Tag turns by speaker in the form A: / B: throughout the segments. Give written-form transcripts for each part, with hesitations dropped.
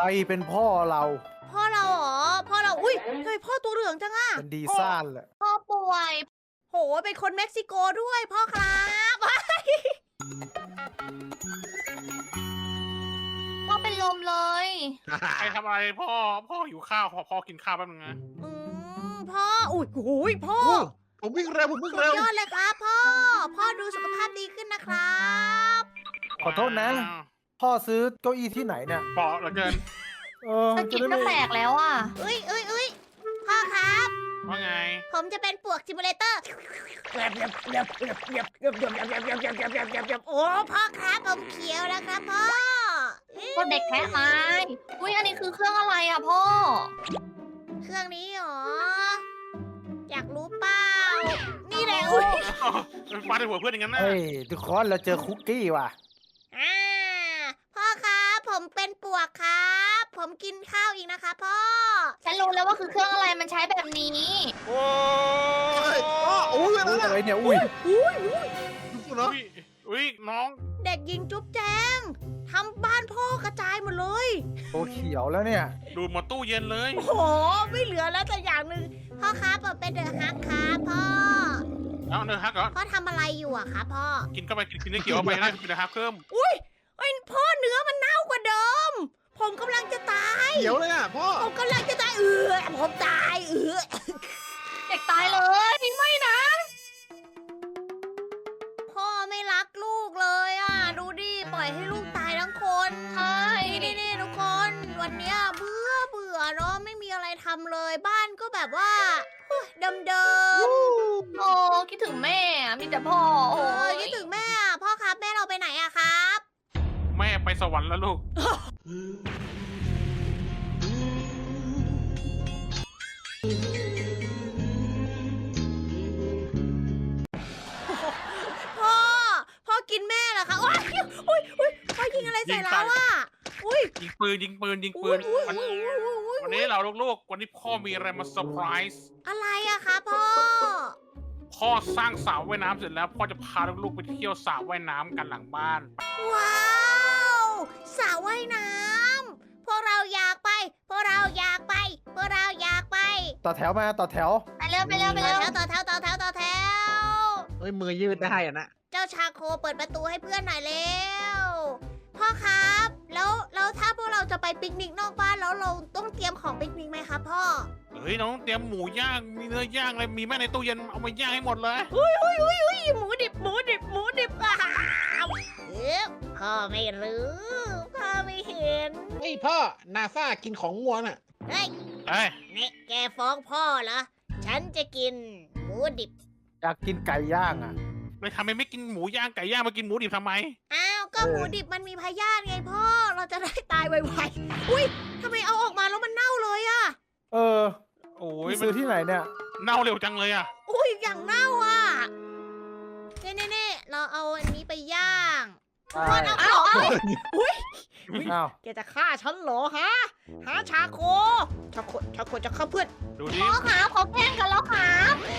A: รเป็นพ่อเรา
B: พ่อเราเหรอพ่อเราอุ้ยทำไมพ่อตัวเหลืองจังอะ
A: เป็นดีซ่านแหละ
C: พ่อป่วย
B: โหเป็นคนเม็กซิโกด้วยพ่อครับ
C: พ่อเป็นลมเลย
D: ใครทำอะไรพ่อหิวข้าวพ่อกินข้าวแป๊บนึงนะ
B: พ่ออุ้ยโอ้ยพ่อ
E: ผมวิ่งเร็วผมวิ่ง
B: สุด
E: เร็วย
B: อดเลยครับพ่อพ่อดูสุขภาพดีขึ้นนะครับ
A: ขอโทษนะ พ่อซื้อเก้าอี้ที่ไหนเนี่ย
D: เปาะเหลือเกิน
C: สะกิดก็แตกแล้วอ่ะ
B: เอ้ยพ่อครับ
D: ว่าไง
B: ผมจะเป็นปวกซิมูเลเตอร์โอ้พ่อครับผมเขียวแล้วครับพ่อ
C: ก็เด็กแท้ไม้อุ้ยอันนี้คือเครื่องอะไรอ่ะพ่อ
B: เครื่องนี้เหรออยากรู้เปล่านี่แหละอุ้ย
D: ฟาดในหัวเพื่อนอย่างนั้นนะ
A: เฮ้ยทุกคนเราเจอคุกกี้ว่ะ
B: พ่อครับผมเป็นปวกครับ ผมกินข้าวอีกนะคะพ่อ
C: ฉันรู้แล้วว่าคือเครื่องอะไรมันใช้แบบนี้
D: โอ้
E: โอ้ยอะไร
A: อุ้ย
E: นะ
A: อะไรเนี่ย อุ้ย
E: เนาะ
D: อุ้ยน้อง
B: เด็กหญิงจุ๊บแจงทำบ้านพ่อกระจายหมดเลย
A: ตัวเขียวแล้วเนี่ย
D: ดูดหมดตู้เย็นเลย
B: โอ้โหไม่เหลือแล้วแต่อย่างหนึ่งพ่อครับผมเป็นเดอะฮักครับพ่อ
D: เอาเนื้อฮักเหรอ
B: พ่อทำอะไรอยู่อะคะพ่อ
D: กินเข้าไปกินเนื้อเขียวเข้าไปได้กินเนื้อฮักเพิ่ม
B: เอ้ยพ่อเนื้อมันเน่ากว่าเดิม ผมกำลังจะตาย
E: เขียวเลยอ่ะพ่อ
B: ผมกำลังจะตายผมตาย
C: เด็กตายเลยไม่นะ
B: พ่อไม่รักลูกเลยอ่ะ ดูดิปล่อยให้ลูกตายทั้งคน
C: ใช่
B: นี่ทุกคน วันเนี้ยเบื่อเนาะไม่มีอะไรทำเลยบ้านก็แบบว่าเดิม
C: โอ้คิดถึงแม่อะมีแต่พ่อ
B: ๆ
C: โอ้ย
B: คิดถึงแม่อะพ่อครับแม่เราไปไหนอะครับ
D: แม่ไปสวรรค์แล้วลูก
B: พ่อกินแม่เหรอคะโอ้ยพ่อยิงอะไรใส่เราอะอุ้ย
D: ยิงปืนวันนี้เราลูกๆวันนี้พ่อมีอะไรมาเซอร์ไพรส์
B: อะไรอะคะพ่อ
D: พ่อสร้างสระว่ายน้ำเสร็จแล้วพ่อจะพาลูกๆไปเที่ยวสระว่ายน้ำกันหลังบ้าน
B: ว้าวสระว่ายน้ำพวกเราอยากไป พวกเราอยากไป พวกเราอยากไป
A: ต่อแถวมาต่อแถว
C: ไปเร็วไปเร็วไปเร็ว
B: ต่อแถว
E: เฮ้ยมือยืดได้อ่ะนะ
B: เจ้าชาโคเปิดประตูให้เพื่อนหน่อยเร็ว พ่อครับ แล้วถ้าพวกเราจะไปปิกนิกนอกบ้านแล้วเราต้องเตรียมของปิกนิกไหมครับพ่อ
D: เฮ้ยน้องเตรียมหมูย่างมีเนื้อย่างอะไรมีแม่ในตู้เย็นเอามาย่างให้หมดเลย
B: หมูดิบอ้าวพ่อไม่รู้พ่อไม่เห็น
E: เฮ้ยพ่อนาซากินของงัวน่ะ
B: เฮ้ย
D: เอ้ย
B: นี่แกฟ้องพ่อเหรอ ฉันจะกินหมูดิบ
A: อยากกินไก่ย่างอ่ะ
D: เลยทำไมไม่กินหมูย่างไก่ย่างมากินหมูดิบทำไม
B: อ้าวก็หมูดิบมันมีพยาธิไงพ่อ เราจะได้ตายไวๆ อุ้ยทำไมเอาออกมาแล้วมันเน่าเลยอะ
A: เออ
D: โอ้ย
A: ไปซื้อที่ไหนเนี่ย
D: เน่าเร็วจังเลยอ่ะ
B: อุ้ยอย่างเน่าอะเน่เราเอาอันนี้ไปย่าง
A: ใช่
B: พ่อเอาของอุ้ย
A: อ้าว
B: แกจะฆ่าฉันเหรอฮะหาชาโคจะฆ่าเพื่อน
D: ดูดิ
C: พ่อครับเขาแกล้งกันแล้วครับ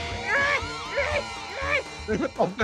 E: ตบเลย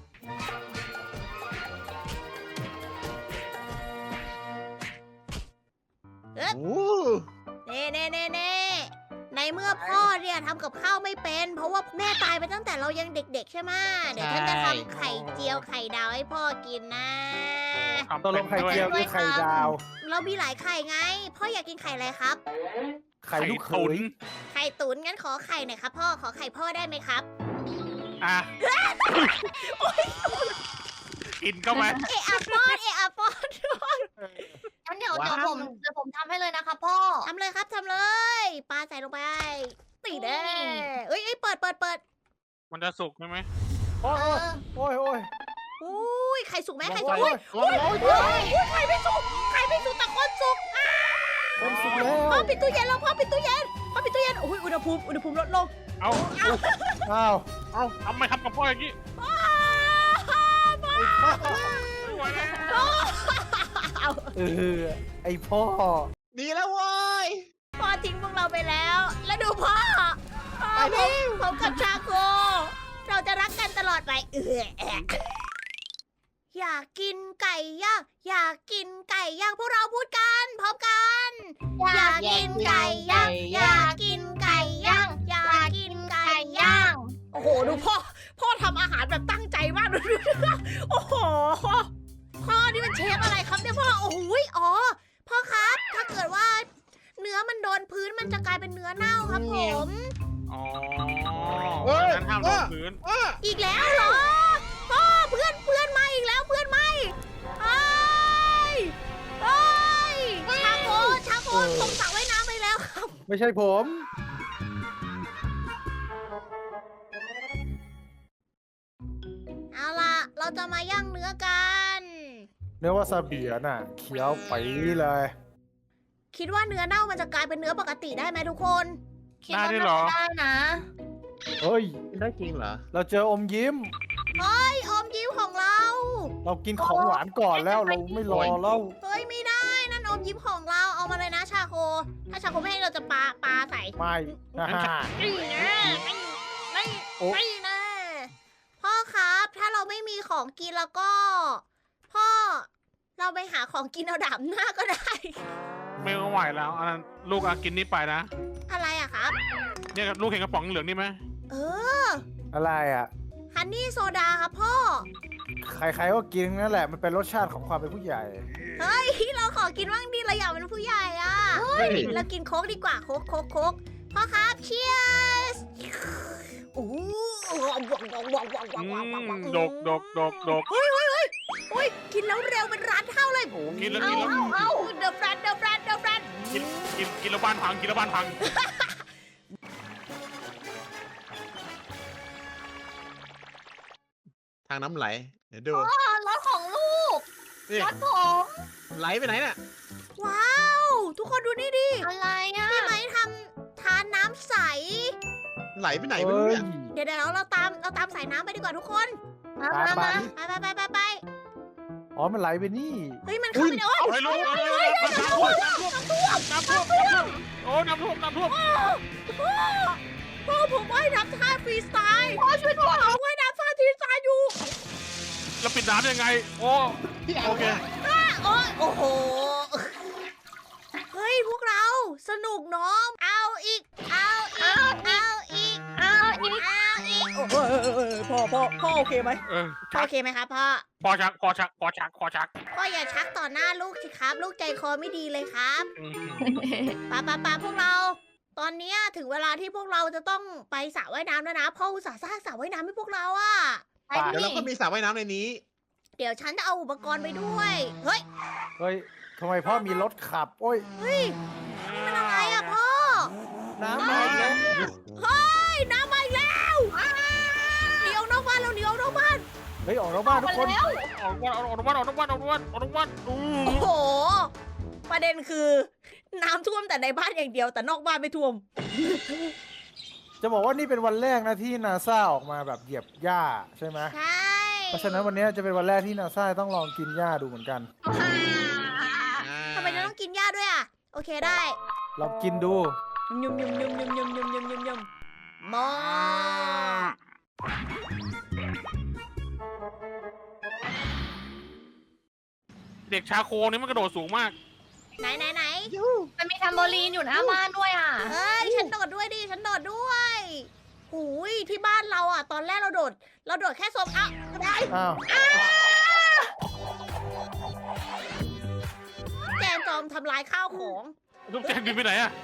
E: โอ้
B: เน่ในเมื่อพ่อเนี่ยทำกับข้าวไม่เป็น เพราะว่าแม่ตายไปตั้งแต่เรายังเด็กๆใช่ไหมเดี๋ยวฉันจะทำไข่เจียวไข่ดาวให้พ่อกินนะ
A: ตัวลงไข่เจียวหรือไข่ดาว
B: เรามีหลายไข่ไง พ่ออยากกินไข่อะไรครับ
A: ไข่ลูกเข
D: ตุ๋น
A: ย
B: ไข่ตุ๋นงั้นขอไข่หน่อยครับพ่อ ขอไข่พ่อได้ไหมครับ
D: อ่ะกินเข้าไป
B: เอะอะป้อน
C: งั้นเดี๋ยวผมทำให้เลยนะคะพ่อ
B: ทำเลยครับทำเลย ปลาใส่ลงไปตีเด้เอ้ยเปิด
D: มันจะสุกใช่ไหม
A: โอ้ยโอ้ยโอ้ย
B: อุ้ยไข่สุกไหมไข่สุก
A: โอ้
B: อุ้
A: ย
B: ย
A: โอ้ย
B: ไข่ไม่สุกแต่คนสุก
A: คนสุกแล้ว
B: พ่อปิดตู้เย็นแล้วพ่อปิดตู้เย็นอุ้ยอุณหภูมิลดลง
D: เอา
A: อ้าว
D: เอาทำไมทำกับพ่ออย่างนี้
B: พ่อ
D: ไม่ไหวแล้ว
A: เออไอพ่อ
E: ดีแล้วเว้ย
B: พ่อทิ้งพวกเราไปแล้ว แล้วดูพ่อ
E: ไปเร็ว
B: ผมกับชาโค เราจะรักกันตลอดไปอยากกินไก่ย่างพวกเราพูดกันพร้อมกันารแบบตั้งใจมากดูโอ้โหพ่อนี่มันเชฟอะไรครับเนี่ยพ่อโอ้โหอ๋อพ่อครับถ้าเกิดว่าเนื้อมันโดนพื้นมันจะกลายเป็นเนื้อเน่าครับผม
D: อ๋อ
E: เฮ้ย
D: นั้นห้ามลงพื้น
B: อีกแล้วเหรอพ่อเพื่อนมาอีกแล้วเพื่อนมาเฮ้ยเฮ้ยชาโคลงสระว่ายน้ำไปแล้วครับ
A: ไม่ใช่ผม
B: เอาล่ะเราจะมาย่างเนื้อกัน
A: เนื้อวาซาบิน่ะเคี้ยวไปเลย
B: คิดว่าเนื้อเน่ามันจะกลายเป็นเนื้อปกติได้ไหมทุกคน
C: คิดว่าน่าจะได้นะ
A: เฮ้ย
E: ได้จริงเหรอ
A: เราเจออมยิ้ม
B: เฮ้ยอมยิ้มของเรา
A: เรากินของหวานก่อนแล้วเราไม่รอแล้ว
B: เฮ้ยไม่ได้นั่นอมยิ้มของเราเอามาเลยนะชาโค ถ้าชาโคไม่ให้เราจะปาใส่
A: ไม่นะฮะ
B: นี่นะนี่
A: โอ้
B: นี่นะพ่อครับ ถ้าเราไม่มีของกินแล้วก็ พ่อ เราไปหาของกินเอาดาบหน้าก็ได้
D: ไม่ไหวแล้วอันนั้นลูกกินนี่ไปนะ
B: อะไรอะครับ
D: เนี่ยลูกเห็นกระป๋องเหลืองนี่ไหม
B: เออ
A: อะไรอ่ะ
B: ฮันนี่โซดาครับพ่อ
A: ใครๆก็กินนั่นแหละมันเป็นรสชาติของความเป็นผู้ใหญ่
B: เฮ้ย เราขอกินบ้างดิเราอยากเป็นผู้ใหญ่อะ
E: เฮ้ย
B: เรากินโค้กดีกว่าโค้กพ่อครับเชียร์สโอ้
D: ดก
B: โอ้ยกินแล้วเร็วเป็นร้านเท่าเลย
D: กินแล้ว
B: เอาเดอะแฟรนเดอะแฟรนเดอะแฟรน
D: กินแล้วบ้านพังกินแล้วบ้านพัง
E: ทางน้ำไหล เดี๋ยวดู
C: รถของลูก
E: นี่
C: รถผม
E: ไหลไปไหนน่ะ
B: ว้าว ทุกคนดูนี่ดิ
C: อะไรอ่ะ
B: พี่ไม้ทานน้ำใส
E: ไหลไปไหนไม่
A: เฮ้
E: รู้
A: ย
E: เนี่ย
B: เดี๋ยวเราตามสายน้ำไปดีกว่าทุกคน
C: มา
A: ปลา
C: มา
A: ปลา
C: มา
B: ไป
A: อ๋อมันไหลไปนี่
B: เฮ้ยมันเข้าไปในโอ้ย
D: เฮ้ยลูกน้ำท่วมโอ้น้ำท่วม
B: พ่อผมว่ายน้ำท่าฟรีสไตล์พ่อช่วยด้วยผมว่ายน้ำท่าฟรีสไตล์อยู่
D: แล้วปิดน้ำยังไงโอ้โอเค
B: โอ้โห เฮ้ยพวกเราสนุกเนาะเอาอีก เอาอีก พ่อโอเคไหม พ่อโอเคไหมครับพ่อ
D: พอชัก
B: พ่ออย่าชักต่อหน้าลูกสิครับ ลูกใจคอไม่ดีเลยครับป้าพวกเรา ตอนเนี้ยถึงเวลาที่พวกเราจะต้องไปสระว่ายน้ำแล้วนะพ่ออุตส่าห์สร้างสระว่ายน้ำให้พวกเราอะ
C: ไป
E: เดี๋ยว
C: ดิ
E: เราก็มีสระว่ายน้ำในนี้
B: เดี๋ยวฉันจะเอาอุปกรณ์ไปด้วย เฮ้ย
A: เฮ้ยทำไมพ่อมีรถขับ โอ้ย
B: นี่มันอะไรอะพ่อ
A: น้ำมาอีกแล้ว
B: เฮ้ยน้ำมาอีกแล้วหนีออกนอกบ้านแล้วหนีออกนอกบ้าน
A: เฮ้ยออกนอกบ้านทุกคน
C: แล้ว
D: ออกวัน
B: โอ้โห ประเด็นคือน้ำท่วมแต่ในบ้านอย่างเดียวแต่นอกบ้านไม่ท่วม
A: จะบอกว่านี่เป็นวันแรกนะที่นาซาออกมาแบบเหยียบหญ้าใช่ไหม
B: ใช่
A: เพราะฉะนั้นวันนี้จะเป็นวันแรกที่นาซาต้องลองกินหญ้าดูเหมือนกัน
B: ทำไมจะต้องกินหญ้าด้วยอะโอเคได้
A: ลองกินดู
B: ยุ่มมอ
D: เด็กชาโคนี่มันกระโดดสูงมาก
B: ไหน
C: มันมีแทมโบลีนอยู่หน้าบ้านด้วยอ่ะ
B: เฮ้ย ฉันโดดด้วยดิ ฉันโดดด้วยหูยที่บ้านเราอ่ะ ตอนแรกเราโดดแค่โซมอ่ะได้
A: อ้าว
B: แจงจอมทำลายข้าวของ
D: ลูกแจงบินไปไหนอะ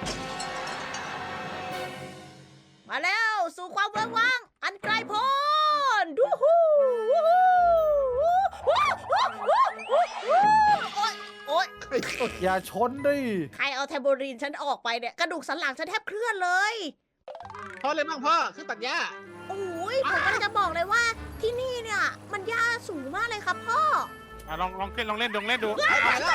B: มาแล้วสู่ความเวิ้งว้าง อันไกลโพ้นดูฮูโอ๊ย
A: อย่าชนดิ
B: ใครเอาแทมโบรีนฉันออกไปเนี่ย กระดูกสันหลังฉันแทบเคลื่อนเลย
E: พ่อเลยบ้างพ่อเครื่องตัดหญ้า
B: โอ้ยผมกำลังจะบอกเลยว่าที่นี่เนี่ย มันหญ้าสูงมากเลยครับพ่อ
D: ลองเล่นดู
E: ไปแล้ว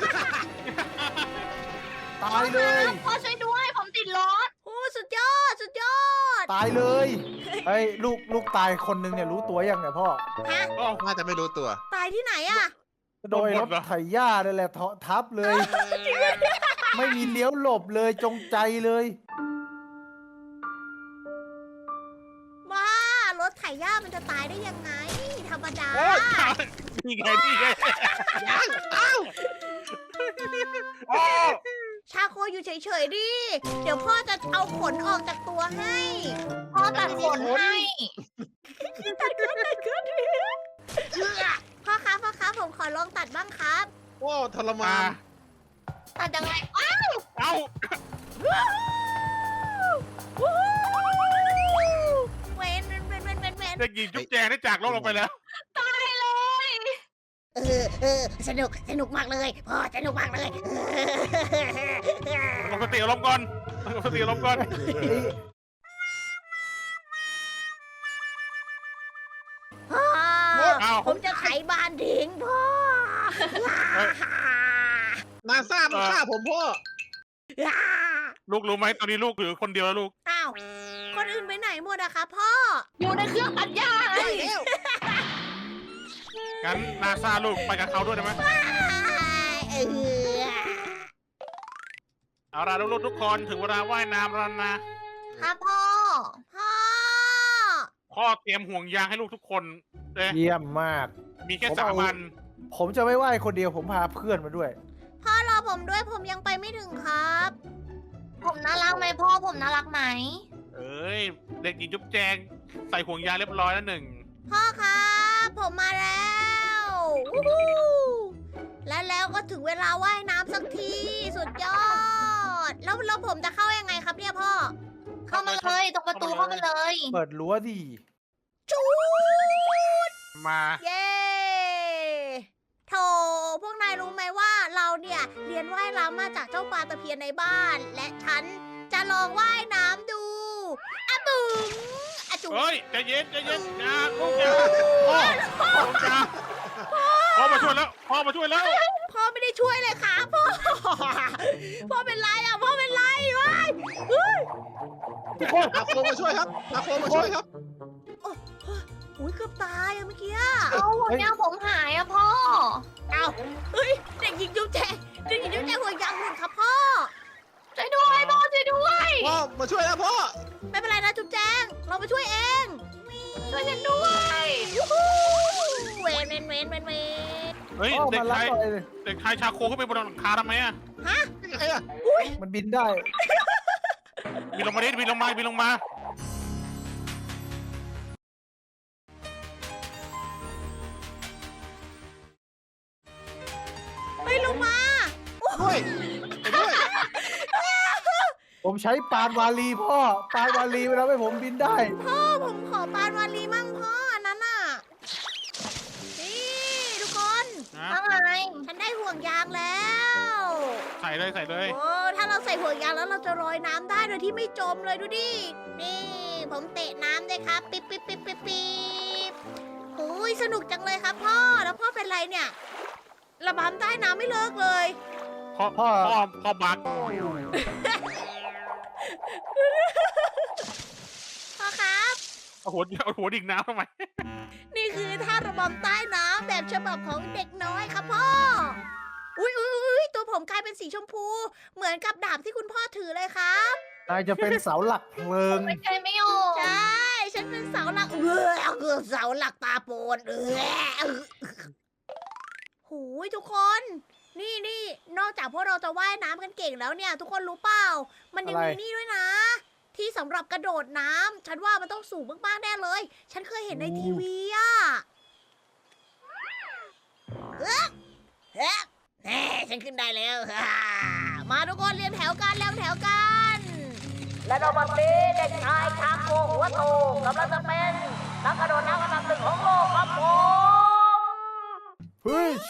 A: ตายเลย
C: พ่อช่วยด้วยผมติดรถ
B: โอ้สุดยอด
A: ตายเลยเฮ้ยลูกตายคนนึงเนี่ยรู้ตัวยังเนี่ยพ่อ
B: ฮะ
E: น่าจะไม่รู้ตัว
B: ตายที่ไหนอะ
A: โดยรถไถหญ้าเลยแหละทับเลย ไม่มีเลี้ยวหลบเลยจงใจเลย
B: บ้ารถไถหญ้ามันจะตายได้ยังไง ธรรมดา
D: นี่ไง
E: ยังอ้าว
B: ชาโคอยู่เฉยๆดิ เดี๋ยวพ่อจะเอาขนออกจากตัวให้
C: พ่อตัดขนให้
B: ตัดขึ้นพ่อครับผมขอลองตัดบ้างครับ
E: โอ้ทรมาน
C: ตัดยังไง
D: เอ้า
B: เว้น
D: เด็กหญิงจุ๊บแจงได้จากโลกเราไปแล้ว
C: ตายเลย
B: สนุกมากเลยพ่อสนุกมากเลย
D: ลงสติอารมณ์ก่อนลงสติอารมณ์ก่อน
B: พ่อ
D: เอ้า
B: ผมจะไขบ้านทิ้งพ่อ
E: นาซามันฆ่าผมพ่อ
D: ลูกรู้ไหมตอนนี้ลูกเหลือคนเดียวแล้วลูก
B: อ้าวคนอื่นไปไหนหมดอะคะพ่อ
C: อยู่ในเครื่องตัดหญ้าไง
D: งั้นนาซาลูกไปกับเขาด้วยได้ไหม
B: เออ
D: เอาล่ะลูกๆทุกคนถึงเวลาว่ายน้ำแล้วนะ
C: ครับพ่อ
B: พ่อ
D: พ่อเตรียมห่วงยางให้ลูกทุกคนเลย
A: เยี่ยมมาก
D: มีแค่3 วัน
A: ผมจะไม่ไหว้คนเดียวผมพาเพื่อนมาด้วย
B: พ่อรอผมด้วยผมยังไปไม่ถึงครับ
C: ผมน่ารักไหมพ่อผมน่ารักไหม
D: เอ้ยเด็กหญิงจุ๊บแจงใส่ห่วงยางเรียบร้อยแล้ว
B: พ่อครับผมมาแล้ววู้ฮู้แล้วก็ถึงเวลาว่ายน้ำสักทีสุดยอด แล้วผมจะเข้ายังไงครับเนี่ยพ่อ
C: เข้ามาเลยตรงประตูเข้ามาเลย
A: เปิดรั้วดิ
B: จูด
D: มา
B: เย้โถพวกนายรู้ไหมว่าเราเนี่ยเรียนว่ายน้ำมาจากเจ้าปลาตะเพียนในบ้าน และฉันจะลองว่ายน้ำดูอะบุ๋งอะจุ๋ง
D: เฮ้ยใจเย็นอย่าลูกอย่าพ่อมาช่วยแล้วพ่อมาช่วยแล้ว
B: พ่อไม่ได้ช่วยเลยค่ะพ่อ พ่อเป็นไรอ่ะพ่อเป็นไรวะ
E: อาโคมาช่วยครับอาโคมาช่วยครับ
B: อุ้ยเกือบตายอะเมื่อกี้
C: เอาหัวหน้าผมหายอะพ่อ
B: เอาเฮ้ยเด็กหญิงจุ๊บแจหัวยางหลุดครับพ่อ
C: ช่วยด้วยพ่อช่วยด้วย
E: พ่อมาช่วยแล้วพ่อ
B: ไม่เป็นไรนะจุ๊บแจงเราไปช่วยเอง
C: ช่วยฉันด้วย
B: ยูฮูเวน
D: เฮ้ย
A: พ่อ
D: เด็
A: มาก รับ
D: ชาย
A: หน่อยเลย
D: เด็กชายชาโคขึ้นไปบนหลังคาทำไมอะ
E: ยังไงอะ
A: มันบินได้
D: บินลงมาดิบินลงมา
B: เฮ้ยลงมา
E: ด้วยไปด้วย
A: ผมใช้ปานวาลีพ่อ ปานวาลีเวลาให้ผมบินได้
B: พ่อผมขอปานวาลีมั่งพ่ออันนั้นน่ะนี่ทุกคน
D: นะ
C: ว่าไง
B: ฉันได้ห่วงยางแล้ว
D: ใส่เลย
B: โอ้ถ้าเราใส่ห่วงยางแล้วเราจะลอยน้ำได้โดยที่ไม่จมเลยดูดิ นี่ ผมเตะน้ำด้วยครับ ปิ๊บโอ้ยสนุกจังเลยครับพ่อ แล้วพ่อเป็นไรเนี่ย ระบำใต้น้ำไม่เลิกเลย
D: พ่อ
A: พ่อ
D: บัก
B: พ่อครับ
D: เอาหัวดิ่งน้ำทำไม
B: นี่คือท่าระบำใต้น้ำแบบฉบับของเด็กน้อยครับพ่อ อุ้ยตัวผมกลายเป็นสีชมพู เหมือนกับดาบที่คุณพ่อถือเลยครับ
A: นายจะเป็นเสาหลักเพลิง
C: ไม่ใช่ไม่ออก
B: ใช่ ฉันเป็นเสาหลักเสาหลักตาโปนหูยทุกคน นี่นอกจากพวกเราจะว่ายน้ำกันเก่งแล้วเนี่ย ทุกคนรู้เปล่า มันยังมี
A: อะไร
B: นี่ด้วยนะ ที่สำหรับกระโดดน้ำฉันว่ามันต้องสูงมากๆแน่เลย ฉันเคยเห็นในทีวีอะแน่ฉันขึ้นได้แล้ว มาทุกคนเรียงแถวกัน และในวันนี้เด็กชายชาโกหัวโตกำลังจะเป็นนักกระโดดน้ำอันดับ 1ของโลกครับผม
A: เฮ้ย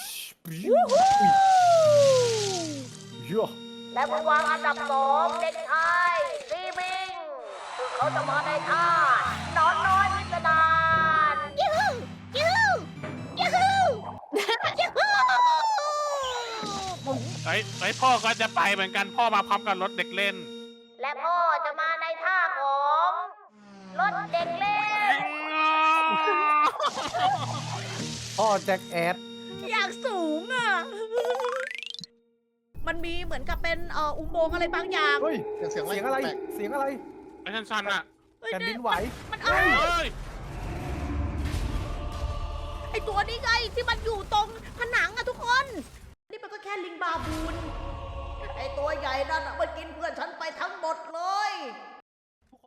A: เยอะ
B: และผู้วางอันดับ 2 เด็กชายซีบิงซึ่งเขาจะมาในท่านอนน้อยพิสดารยูฮู
D: ไอ้พ่อก็จะไปเหมือนกันพ่อมาพร้อมกับรถเด็กเล่น
B: และพ่อจะมาในท่าของรถเด็กเล่น
A: พ่อแจ็คแอด
B: อย่างสูงอ่ะ มันมีเหมือนกับเป็นอุโมงค์อะไรบางอย่าง
A: เฮ้ย
E: เสียง
A: เสียงอะไร
E: แปลก
A: เสียงอะไร
D: ไอ้ชันๆอะ
B: เฮ้ย
A: แผ่นดินไหว
B: มัน
D: เฮ้ย
B: ไอตัวนี้ไงที่มันอยู่ตรงผนังอะทุกคน นี่มันก็แค่ลิงบาบูน ไอตัวใหญ่นั่นอะมันกินเพื่อนฉันไปทั้งหมดเลย